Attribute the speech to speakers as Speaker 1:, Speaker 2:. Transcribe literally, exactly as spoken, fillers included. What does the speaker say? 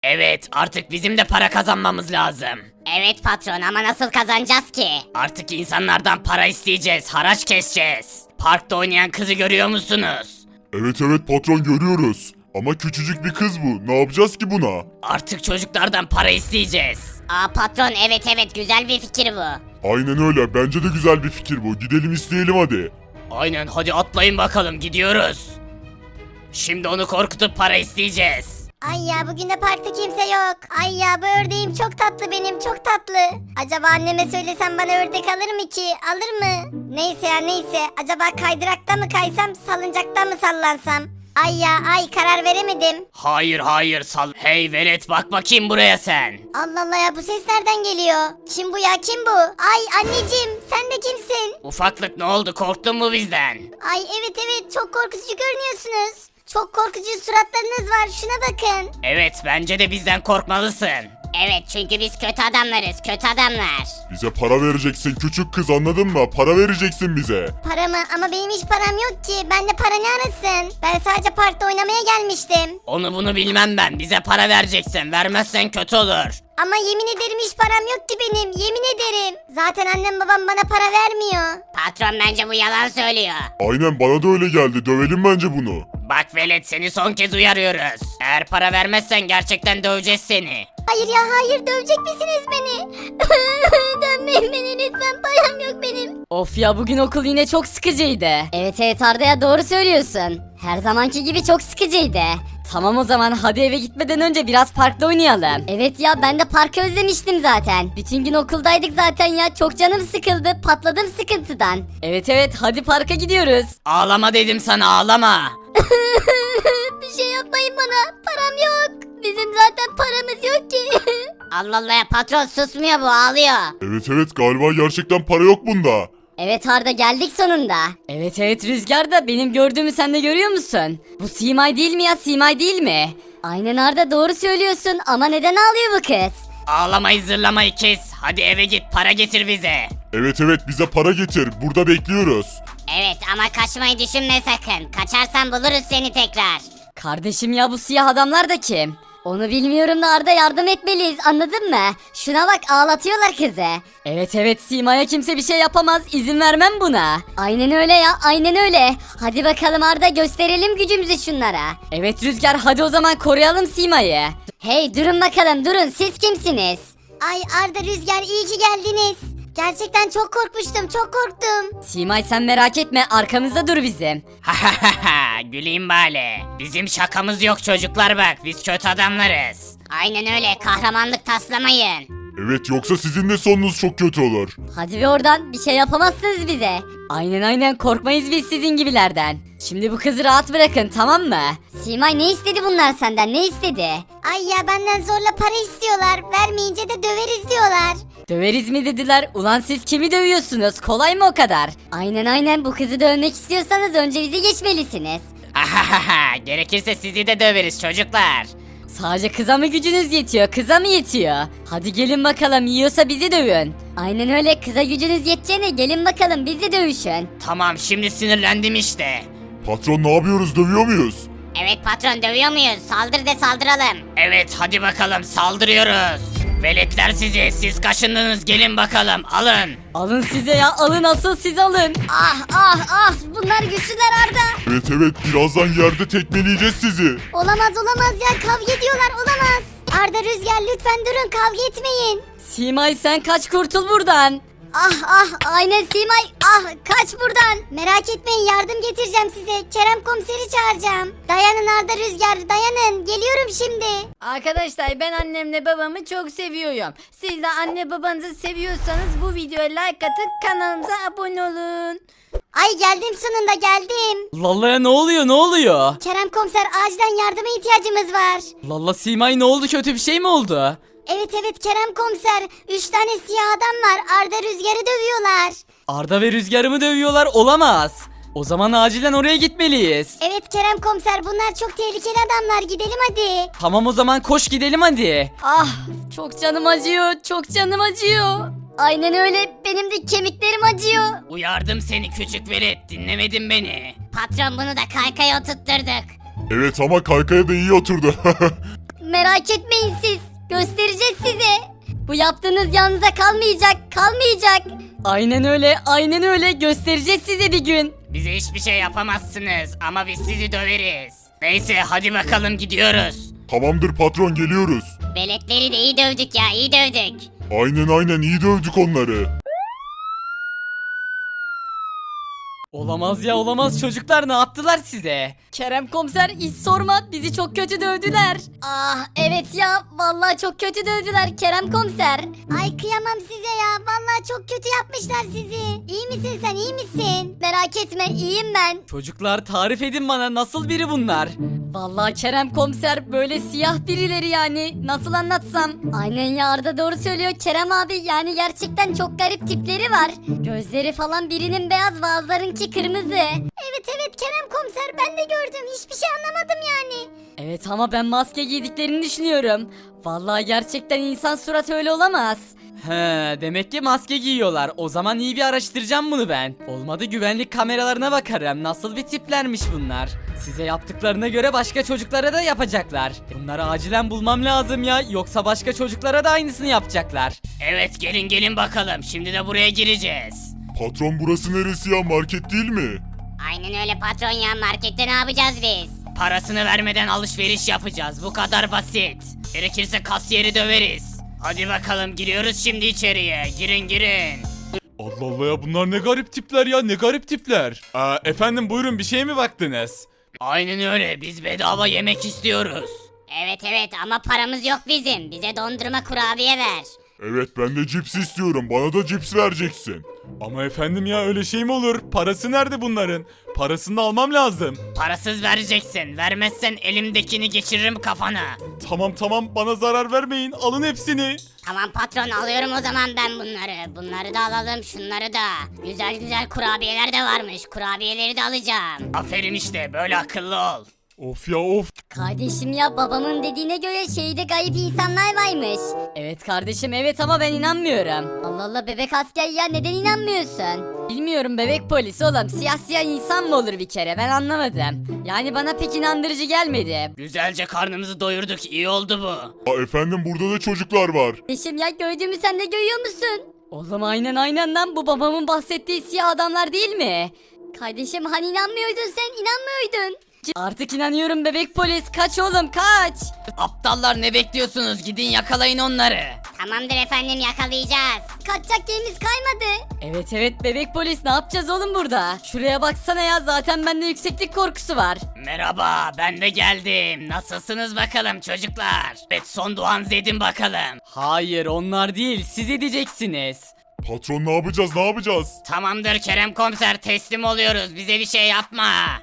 Speaker 1: Evet, artık bizim de para kazanmamız lazım.
Speaker 2: Evet patron ama nasıl kazanacağız ki?
Speaker 1: Artık insanlardan para isteyeceğiz, haraç keseceğiz. Parkta oynayan kızı görüyor musunuz?
Speaker 3: Evet evet patron görüyoruz. Ama küçücük bir kız bu. Ne yapacağız ki buna?
Speaker 1: Artık çocuklardan para isteyeceğiz.
Speaker 2: Aa patron evet evet güzel bir fikir bu.
Speaker 3: Aynen öyle. Bence de güzel bir fikir bu. Gidelim isteyelim hadi.
Speaker 1: Aynen, hadi atlayın bakalım, gidiyoruz. Şimdi onu korkutup para isteyeceğiz.
Speaker 4: Ay ya bugün de parkta kimse yok. Ay ya bu ördeğim çok tatlı benim çok tatlı. Acaba anneme söylesem bana ördek alır mı ki? Alır mı? Neyse ya neyse. Acaba kaydırakta mı kaysam salıncakta mı sallansam? Ay ya ay karar veremedim.
Speaker 1: Hayır hayır sal. Hey velet, bak bakayım buraya sen.
Speaker 4: Allah Allah ya bu ses nereden geliyor? Kim bu ya kim bu? Ay anneciğim sen de kimsin?
Speaker 1: Ufaklık, ne oldu, korktun mu bizden?
Speaker 4: Ay evet evet çok korkutucu görünüyorsunuz. Çok korkutucu suratlarınız var şuna bakın.
Speaker 1: Evet, bence de bizden korkmalısın.
Speaker 2: Evet çünkü biz kötü adamlarız kötü adamlar.
Speaker 3: Bize para vereceksin küçük kız, anladın mı? Para vereceksin bize.
Speaker 4: Para mı? Ama benim hiç param yok ki. Ben de para ne arasın? Ben sadece parkta oynamaya gelmiştim.
Speaker 1: Onu bunu bilmem ben, bize para vereceksin, vermezsen kötü olur.
Speaker 4: Ama yemin ederim hiç param yok ki benim. Yemin ederim. Zaten annem babam bana para vermiyor.
Speaker 2: Patron bence bu yalan söylüyor.
Speaker 3: Aynen bana da öyle geldi. Dövelim bence bunu.
Speaker 1: Bak velet, seni son kez uyarıyoruz. Eğer para vermezsen gerçekten döveceğiz seni.
Speaker 4: Hayır ya hayır dövecek misiniz beni? Dönmeyin beni lütfen param yok benim.
Speaker 5: Of ya, bugün okul yine çok sıkıcıydı. Evet evet Arda ya, doğru söylüyorsun. Her zamanki gibi çok sıkıcıydı. Tamam o zaman hadi eve gitmeden önce biraz parkta oynayalım. Evet ya, ben de parkı özlemiştim zaten. Bütün gün okuldaydık zaten ya, çok canım sıkıldı, patladım sıkıntıdan. Evet evet hadi parka gidiyoruz.
Speaker 1: Ağlama dedim sana, ağlama.
Speaker 4: Bir şey yapmayın bana. Param yok. Bizim zaten paramız yok ki.
Speaker 2: Allah Allah ya patron susmuyor bu ağlıyor.
Speaker 3: Evet evet galiba gerçekten para yok bunda.
Speaker 5: Evet Arda, geldik sonunda. Evet evet Rüzgar da, benim gördüğümü sen de görüyor musun? Bu Simay değil mi ya, Simay değil mi? Aynen Arda, doğru söylüyorsun ama neden ağlıyor bu kız?
Speaker 1: Ağlamayı zırlamayı kes. Hadi eve git, para getir bize.
Speaker 3: Evet evet bize para getir. Burada bekliyoruz.
Speaker 2: Evet ama kaçmayı düşünme sakın. Kaçarsan buluruz seni tekrar.
Speaker 5: Kardeşim ya, bu siyah adamlar da kim? Onu bilmiyorum da Arda, yardım etmeliyiz, anladın mı? Şuna bak, ağlatıyorlar kızı. Evet evet, Sima'ya kimse bir şey yapamaz, izin vermem buna. Aynen öyle ya, aynen öyle. Hadi bakalım Arda, gösterelim gücümüzü şunlara. Evet Rüzgar, hadi o zaman koruyalım Sima'yı. Hey durun bakalım, durun, siz kimsiniz?
Speaker 4: Ay Arda Rüzgar iyi ki geldiniz. Gerçekten çok korkmuştum çok korktum.
Speaker 5: Simay sen merak etme, arkamızda dur bizim.
Speaker 1: Ha ha ha ha, güleyim bari. Bizim şakamız yok çocuklar, bak biz kötü adamlarız.
Speaker 2: Aynen öyle kahramanlık taslamayın.
Speaker 3: Evet yoksa sizin de sonunuz çok kötü olur.
Speaker 5: Hadi bir oradan, bir şey yapamazsınız bize. Aynen aynen, korkmayız biz sizin gibilerden. Şimdi bu kızı rahat bırakın, tamam mı? Simay, ne istedi bunlar senden, ne istedi?
Speaker 4: Ay ya benden zorla para istiyorlar. Vermeyince de döveriz diyorlar.
Speaker 5: Döveriz mi dediler? Ulan siz kimi dövüyorsunuz? Kolay mı o kadar? Aynen aynen, bu kızı dövmek istiyorsanız önce bizi geçmelisiniz.
Speaker 1: Ha ha ha ha, gerekirse sizi de döveriz çocuklar.
Speaker 5: Sadece kıza mı gücünüz yetiyor? Kıza mı yetiyor? Hadi gelin bakalım, yiyorsa bizi dövün. Aynen öyle, kıza gücünüz yeteceğine gelin bakalım bizi dövüşün.
Speaker 1: Tamam, şimdi sinirlendim işte.
Speaker 3: Patron ne yapıyoruz, dövüyor muyuz?
Speaker 2: Evet patron dövüyor muyuz? Saldır de saldıralım.
Speaker 1: Evet hadi bakalım, saldırıyoruz. Veletler sizi, siz kaşındınız, gelin bakalım, alın.
Speaker 5: Alın size ya, alın, asıl siz alın.
Speaker 4: Ah ah ah bunlar güçlüler Arda.
Speaker 3: Evet evet birazdan yerde tekmeleyeceğiz sizi.
Speaker 4: Olamaz olamaz ya kavga ediyorlar olamaz. Arda Rüzgar lütfen durun kavga etmeyin.
Speaker 5: Simay sen kaç, kurtul buradan.
Speaker 4: Ah ah aynen Simay ah kaç buradan. Merak etmeyin yardım getireceğim size. Kerem komiseri çağıracağım. Dayanın Arda Rüzgar dayanın geliyorum şimdi.
Speaker 6: Arkadaşlar ben annemle babamı çok seviyorum. Siz de anne babanızı seviyorsanız bu videoya like atıp kanalımıza abone olun.
Speaker 4: Ay geldim sonunda geldim.
Speaker 7: Lalla'ya ne oluyor, ne oluyor?
Speaker 4: Kerem komiser acilen yardıma ihtiyacımız var.
Speaker 7: Lalla Simay ne oldu, kötü bir şey mi oldu?
Speaker 4: Evet evet Kerem komiser. Üç tane siyah adam var. Arda Rüzgar'ı dövüyorlar.
Speaker 7: Arda ve Rüzgar'ı mı dövüyorlar? Olamaz. O zaman acilen oraya gitmeliyiz.
Speaker 4: Evet Kerem komiser bunlar çok tehlikeli adamlar. Gidelim hadi.
Speaker 7: Tamam o zaman koş gidelim hadi.
Speaker 5: Ah, çok canım acıyor, çok canım acıyor. Aynen öyle, benim de kemiklerim acıyor.
Speaker 1: Uyardım seni küçük velet, dinlemedin beni.
Speaker 2: Patron bunu da kaykaya oturtturduk.
Speaker 3: Evet ama kaykaya da iyi oturdu.
Speaker 5: merak etmeyin siz. Göstereceğiz size. Bu yaptığınız yanınıza kalmayacak, kalmayacak. Aynen öyle, aynen öyle. Göstereceğiz size bir gün.
Speaker 1: Bize hiçbir şey yapamazsınız ama biz sizi döveriz. Neyse hadi bakalım gidiyoruz.
Speaker 3: Tamamdır patron, geliyoruz.
Speaker 2: Veletleri de iyi dövdük ya iyi dövdük.
Speaker 3: Aynen aynen, iyi dövdük onları.
Speaker 7: Olamaz ya olamaz, çocuklar ne yaptılar size?
Speaker 5: Kerem komiser hiç sorma, bizi çok kötü dövdüler. Ah evet ya, vallahi çok kötü dövdüler Kerem komiser.
Speaker 4: Ay kıyamam size ya. Vallahi çok kötü yapmışlar sizi. İyi misin sen, iyi misin?
Speaker 5: Merak etme, iyiyim ben.
Speaker 7: Çocuklar tarif edin bana, nasıl biri bunlar?
Speaker 5: Vallahi Kerem komiser böyle siyah birileri yani, nasıl anlatsam. Aynen ya, Arda doğru söylüyor Kerem abi, yani gerçekten çok garip tipleri var. Gözleri falan birinin beyaz, bazılarınki kırmızı.
Speaker 4: Evet evet Kerem komiser, ben de gördüm. Hiçbir şey anlamadım yani.
Speaker 5: Evet ama ben maske giydiklerini düşünüyorum. Vallahi gerçekten insan suratı öyle olamaz.
Speaker 7: He, demek ki maske giyiyorlar. O zaman iyi bir araştıracağım bunu ben. Olmadı güvenlik kameralarına bakarım. Nasıl bir tiplermiş bunlar. Size yaptıklarına göre başka çocuklara da yapacaklar. Bunları acilen bulmam lazım ya. Yoksa başka çocuklara da aynısını yapacaklar.
Speaker 1: Evet gelin gelin bakalım şimdi de buraya gireceğiz.
Speaker 3: Patron, burası neresi ya, market değil mi?
Speaker 2: Aynen öyle patron ya markette ne yapacağız biz?
Speaker 1: Parasını vermeden alışveriş yapacağız bu kadar basit. Gerekirse kasiyeri döveriz. Hadi bakalım giriyoruz şimdi içeriye, girin girin.
Speaker 8: Allah Allah ya, bunlar ne garip tipler ya, ne garip tipler. Aa, efendim buyurun, bir şeye mi baktınız?
Speaker 1: Aynen öyle biz bedava yemek istiyoruz.
Speaker 2: Evet evet ama paramız yok bizim. Bize dondurma kurabiye ver.
Speaker 3: Evet, ben de cips istiyorum, bana da cips vereceksin.
Speaker 8: Ama efendim ya, öyle şey mi olur? Parası nerede bunların? Parasını da almam lazım.
Speaker 1: Parasız vereceksin, vermezsen elimdekini geçiririm kafana.
Speaker 8: Tamam tamam, bana zarar vermeyin, alın hepsini.
Speaker 2: Tamam patron alıyorum o zaman ben bunları. Bunları da alalım şunları da. Güzel güzel kurabiyeler de varmış. Kurabiyeleri de alacağım.
Speaker 1: Aferin işte böyle akıllı ol.
Speaker 8: Of ya of.
Speaker 5: Kardeşim ya, babamın dediğine göre şehirde gayip insanlar varmış. Evet kardeşim, evet ama ben inanmıyorum. Allah Allah bebek asker ya, neden inanmıyorsun? Bilmiyorum bebek polis oğlum, siyah siyah insan mı olur bir kere, ben anlamadım. Yani bana pek inandırıcı gelmedi.
Speaker 1: Güzelce karnımızı doyurduk iyi oldu bu.
Speaker 3: Aa, efendim burada da çocuklar var.
Speaker 5: Kardeşim ya, gördüğümü sen de görüyor musun? Oğlum aynen aynen lan, bu babamın bahsettiği siyah adamlar değil mi? Kardeşim hani inanmıyordun sen, inanmıyordun. Artık inanıyorum bebek polis, kaç oğlum kaç.
Speaker 1: Aptallar ne bekliyorsunuz gidin yakalayın onları.
Speaker 2: Tamamdır efendim yakalayacağız.
Speaker 4: Kaçacak yerimiz kaymadı.
Speaker 5: Evet evet bebek polis, ne yapacağız oğlum burada? Şuraya baksana ya, zaten bende yükseklik korkusu var.
Speaker 1: Merhaba ben de geldim. Nasılsınız bakalım çocuklar? Evet son duanızı edin bakalım.
Speaker 7: Hayır onlar değil, siz edeceksiniz.
Speaker 3: Patron, ne yapacağız, ne yapacağız?
Speaker 1: Tamamdır Kerem komiser teslim oluyoruz bize bir şey yapma.